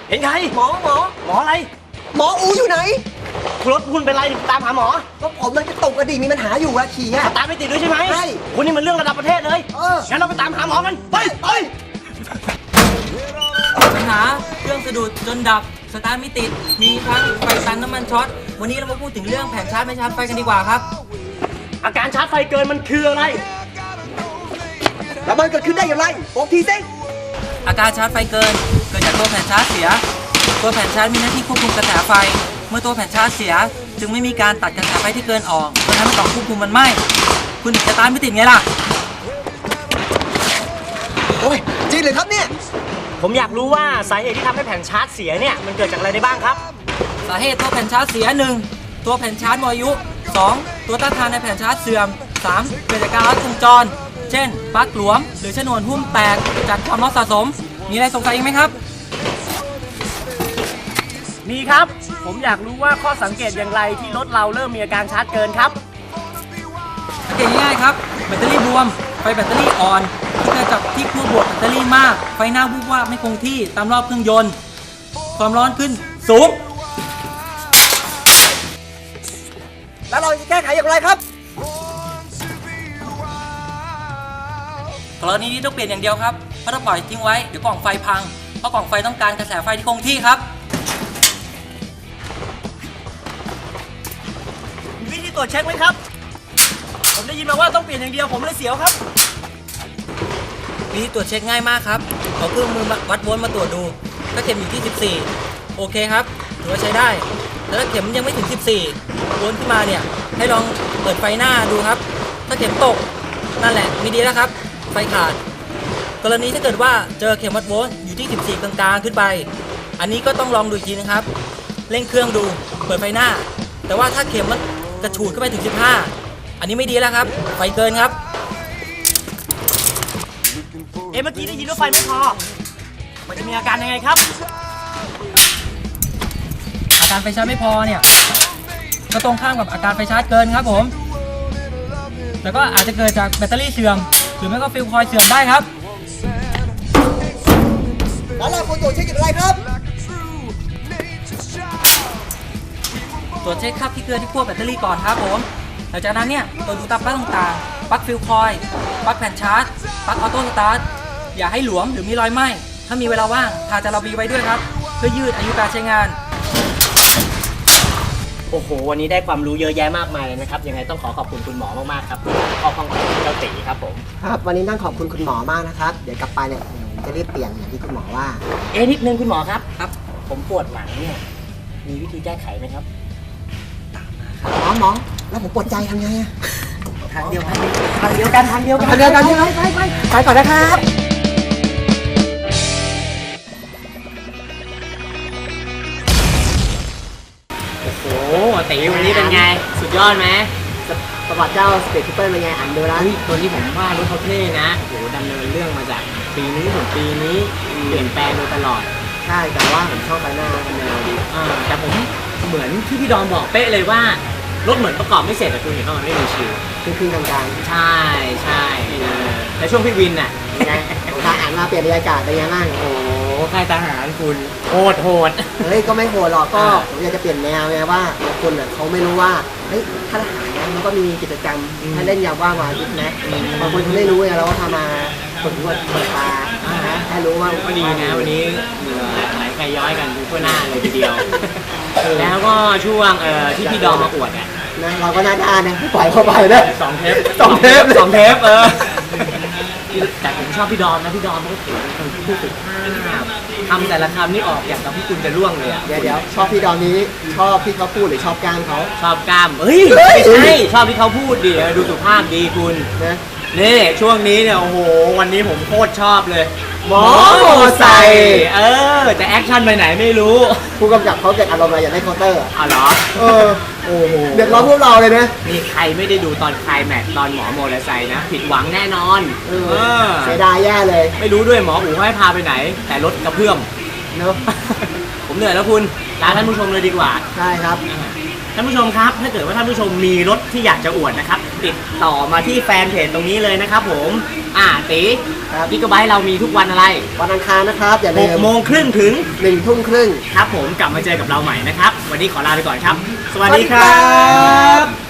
เห็นใครหมออะไรหมออูอยู่ไหนรถคุณเป็นไรตามหาหมอก็ผมมันจะตกกระดิ่งมีปัญหาอยู่อะขี่อะตามไม่ติดด้วยใช่ไหมใช่คุณนี่มันเรื่องระดับประเทศเลยงั้นเราไปตามหาหมอกันไปปัญหาเครื่องสะดุดจนดับสตาร์ทไม่ติดมีทั้งไฟตันน้ำมันช็อตวันนี้เรามาพูดถึงเรื่องแผงชาร์จไม่ชาร์จไฟกันดีกว่าครับอาการชาร์จไฟเกินมันคืออะไรแล้วมันเกิดขึ้นได้อย่างไรบอกทีสิอาการชาร์จไฟเกิดจากตัวแผงชาร์จเสียตัวแผงชาร์จมีหน้าที่ควบคุมกระแสไฟเมื่อตัวแผงชาร์จเสียจึงไม่มีการตัดกระแสไฟที่เกินออกจนทำให้กล่องควบคุมมันไหม้คุณถึงสตาร์ทไม่ติดไงล่ะโอ้ยจริงเลยครับเนี่ยผมอยากรู้ว่าสาเหตุที่ทำให้แผงชาร์จเสียเนี่ยมันเกิดจากอะไรได้บ้างครับสาเหตุตัวแผ่นชาร์จเสีย 1. ตัวแผ่นชาร์จหมดอายุ 2. ตัวต้านทานในแผ่นชาร์จเสื่อม 3. เกิดจากการลัดวงจรเช่นปลั๊กหลวมหรือชนวนหุ้มแตกจากความร้อนสะสมมีอะไรสงสัยอีกไหมครับมีครับผมอยากรู้ว่าข้อสังเกตอย่างไรที่รถเราเริ่มมีอาการชาร์จเกินครับสังเกตง่ายๆครับแบตเตอรี่บวมไฟแบตเตอรี่อ่อนที่เกิดจากที่ขั้วบวกแบตเตอรี่มากไฟหน้าวูบวาบไม่คงที่ตามรอบเครื่องยนต์ความร้อนขึ้นสูงแล้วเราจะแก้ไขอย่างไรครับกรณีนี้ต้องเปลี่ยนอย่างเดียวครับเพราะถ้าปล่อยทิ้งไว้เดี๋ยวกล่องไฟพังเพราะกล่องไฟต้องการกระแสไฟที่คงที่ครับมีวิธีตรวจเช็คไหมครับผมได้ยินมาว่าต้องเปลี่ยนอย่างเดียวผมเลยเสียวครับวิธีตรวจเช็คง่ายมากครับเอาเครื่องมือวัดโวลต์มาตรวจดูถ้าเข็มอยู่ที่14โอเคครับถือว่าใช้ได้แต่ถ้าเข็มยังไม่ถึง14โวลต์ขึ้นมาเนี่ยให้ลองเปิดไฟหน้าดูครับถ้าเข็มตกนั่นแหละมีดีแล้วครับไฟขาดกรณีถ้าเกิดว่าเจอเข็มวัดโวลต์อยู่ที่14กลางๆขึ้นไปอันนี้ก็ต้องลองดูอีกทีนะครับเร่งเครื่องดูเปิดไฟหน้าแต่ว่าถ้าเข็มมันกระฉูดขึ้นไปถึง15อันนี้ไม่ดีแล้วครับไฟเกินครับเมื่อกี้ได้ยินว่าไฟไม่พอมันจะมีอาการยังไงครับอาการไฟชาร์จไม่พอเนี่ยก็ตรงข้ามกับอาการไฟชาร์จเกินครับผมแต่ก็อาจจะเกิดจากแบตเตอรี่เสื่อมหรือไม่ก็ฟิลคอยล์เสื่อมได้ครับแล้วเราควรตรวจเช็คอย่างไรครับตรวจเช็คคราบที่เกลือที่ขั้วแบตเตอรี่ก่อนครับผมหลังจากนั้นเนี่ยตรวจดูตามปลั๊กต่างๆปลั๊กฟิลคอยล์ปลั๊กแผ่นชาร์จปลั๊กออโต้สตาร์ทอย่าให้หลวมหรือมีรอยไหม้ถ้ามีเวลาว่างทาจาระบีไว้ด้วยครับเพื่อยืดอายุการใช้งานโอ้โหวันนี้ได้ความรู้เยอะแยะมากมายเลยนะครับยังไงต้องขอขอบคุณคุณหมอมากๆครับข้อข้องใจเจ้าตีครับผมครับวันนี้ต้องขอบคุณคุณหมอมากนะครับเดี๋ยวกลับไปเนี่ยผมจะรีบเปลี่ยนอย่างที่คุณหมอว่านิดนึงคุณหมอครับผมปวดหลังเนี่ยมีวิธีแก้ไขไหมครับหมอแล้วผมปวดใจทำไงอะทางเดียวกันใช่ไหมไปก่อนนะครับโอ้ตีวันนี้เป็นไงสุดยอดไหมประวัติเจ้าสเปซคูเปอร์เป็นไงอ่านดูแล้วตัวนี้ผมว่ารถเขาเท่นะโหดำเนินเรื่องมาจากปีนี้ถึงปีนี้เปลี่ยนแปลงโดยตลอดใช่แต่ว่าผมชอบไปหน้าเป็นแนวดีแต่ผมเหมือนที่พี่ดอมบอกเป๊ะเลยว่ารถเหมือนประกอบไม่เสร็จแต่คุณเห็นว่ามันไม่มีชิวคือๆกลางๆใช่แล้วช่วงพี่วินน่ะไงทหารมาเปลี่ยนบรรยากาศเป็นยังไงบ้างโอ้ค่ายทหารคุณโหดเฮ้ยก็ไม่โหดหรอกก็ผมอยากจะเปลี่ยนแนวไงว่าบางคนเขาไม่รู้ว่าเฮ้ยทหารมันก็มีกิจกรรมให้เล่นยามว่างวันอาทิตย์นะบางคนเขาไม่รู้ไงเราก็ทำมาฝึกนวดเปิดตาให้รู้ว่าก็ดีนะวันนี้เหงื่อไหลใครย้อยกันทั่วหน้าเลยทีเดียวแล้วก็ช่วงที่พี่ดอมมาอวดนะเราก็น่าด้านนะปล่อยเข้าไปนะ 2 เทปแต่ผมชอบพี่ดอมนะพี่ดอมเขาถือเป็นผู้ฝึกทำแต่ละคำนี่ออกอย่างกับพี่คุณจะร่วงเลยอ่ะเดี๋ยวชอบพี่ดอมนี้ชอบพี่เขาพูดหรือชอบกล้ามเขาชอบกล้ามไม่ใช่ชอบที่เขาพูดดีดูสุภาพดีคุณนะนี่ช่วงนี้เนี่ยโอ้โหวันนี้ผมโคตรชอบเลยหมอไซค์แต่แอคชั่นไปไหนไม่รู้ผู้กำกับเขาเกิดอารมณ์อะไรอยากได้เคาน์เตอร์เหรอโอ้โหเดือดร้อนพวกเราเลยนะนี่ใครไม่ได้ดูตอนคลายแม็กตอนหมอโมเลไซค์นะผิดหวังแน่นอนเสียดายแย่เลยไม่รู้ด้วยหมออู๋ให้พาไปไหนแต่รถกระเพื่อมเนาะผมเหนื่อยแล้วคุณลาท่านผู้ชมเลยดีกว่าใช่ครับท่านผู้ชมครับถ้าเกิดว่าท่านผู้ชมมีรถที่อยากจะอวดนะครับติดต่อมาที่แฟนเพจตรงนี้เลยนะครับผมตีกิกะไบต์เรามีทุกวันอะไรวันอังคารนะครับอย่าลืม 6:30 ถึง 1:30 ครับผมกลับมาเจอกับเราใหม่นะครับวันนี้ขอลาไปก่อนครับ สวัสดีครัสวัสดีครับ บ